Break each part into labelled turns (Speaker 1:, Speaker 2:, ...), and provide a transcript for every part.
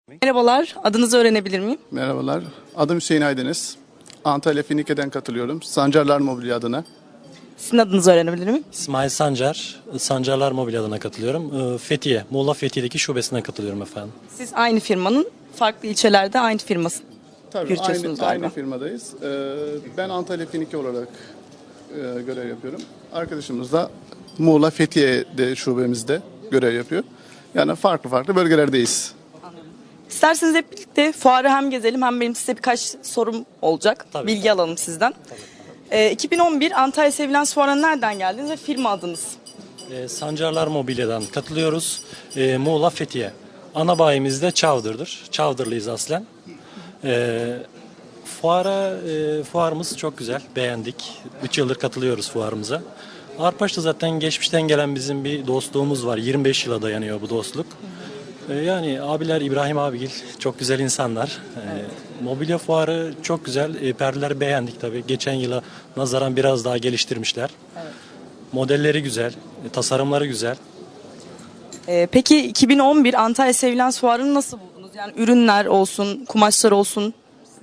Speaker 1: Merhabalar, adınızı öğrenebilir miyim?
Speaker 2: Merhabalar, adım Hüseyin Aydeniz. Antalya Finike'den katılıyorum. Sancarlar Mobilya adına.
Speaker 1: Sizin adınızı öğrenebilir miyim?
Speaker 3: İsmail Sancar, Sancarlar Mobilya adına katılıyorum. Fethiye, Muğla Fethiye'deki şubesine katılıyorum efendim.
Speaker 1: Siz aynı firmanın farklı ilçelerde aynı firması
Speaker 2: Tabii
Speaker 1: yürütüyorsunuz
Speaker 2: aynı
Speaker 1: galiba.
Speaker 2: firmadayız. Ben Antalya Finike olarak görev yapıyorum. Arkadaşımız da Muğla Fethiye'de şubemizde görev yapıyor. Yani farklı bölgelerdeyiz.
Speaker 1: İsterseniz hep birlikte fuarı hem gezelim hem benim size birkaç sorum olacak.
Speaker 3: Tabii.
Speaker 1: Bilgi alalım sizden. 2011 Antalya Sevilens Fuarı'na nereden geldiniz ve firma adınız?
Speaker 3: Sancarlar Mobilya'dan katılıyoruz. Muğla Fethiye. Ana bayimiz de Çavdır'dır. Çavdırlıyız aslen. Fuarımız çok güzel, beğendik. 3 yıldır katılıyoruz fuarımıza. Arpaş'ta zaten geçmişten gelen bizim bir dostluğumuz var. 25 yıla dayanıyor bu dostluk. Yani abiler İbrahim abigil çok güzel insanlar. Mobilya fuarı çok güzel. Perdeleri beğendik tabii. Geçen yıla nazaran biraz daha geliştirmişler.
Speaker 1: Evet.
Speaker 3: Modelleri güzel, tasarımları güzel.
Speaker 1: Peki 2011 Antalya Sevilens Fuarı'nı nasıl buldunuz? Yani ürünler olsun, kumaşlar olsun.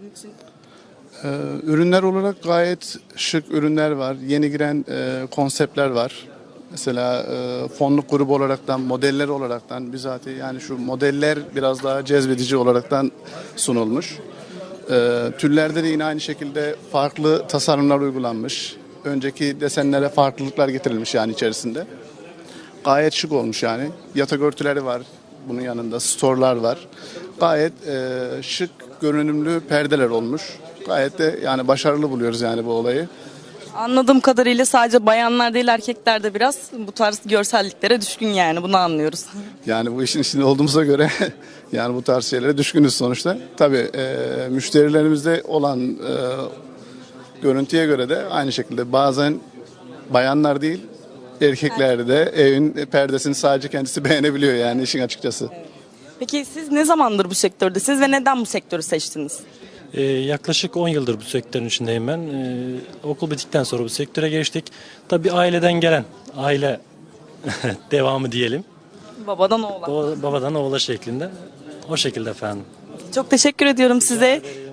Speaker 2: Ürünler olarak gayet şık ürünler var. Yeni giren konseptler var. Mesela fonluk grubu olaraktan, modeller olaraktan bizatihi yani şu modeller biraz daha cezbedici olaraktan sunulmuş. Tüllerde de yine aynı şekilde farklı tasarımlar uygulanmış. Önceki desenlere farklılıklar getirilmiş yani içerisinde. Gayet şık olmuş yani. Yatak örtüleri var. Bunun yanında storlar var. Gayet şık, görünümlü perdeler olmuş. Gayet de yani başarılı buluyoruz yani bu olayı.
Speaker 1: Anladığım kadarıyla sadece bayanlar değil erkekler de biraz bu tarz görselliklere düşkün yani bunu anlıyoruz.
Speaker 2: Yani bu işin içinde olduğumuza göre yani bu tarz şeylere düşkünüz sonuçta. Tabii müşterilerimizde olan görüntüye göre de aynı şekilde bazen bayanlar değil erkekler de evin perdesini sadece kendisi beğenebiliyor yani işin açıkçası.
Speaker 1: Peki siz ne zamandır bu sektördesiniz ve neden bu sektörü seçtiniz?
Speaker 3: Yaklaşık 10 yıldır bu sektörün içindeyim ben. Okul bittikten sonra bu sektöre geçtik. Tabii aileden gelen, aile devamı diyelim.
Speaker 1: Babadan oğlan.
Speaker 3: Babadan oğula şeklinde. O şekilde efendim.
Speaker 1: Çok teşekkür ediyorum size.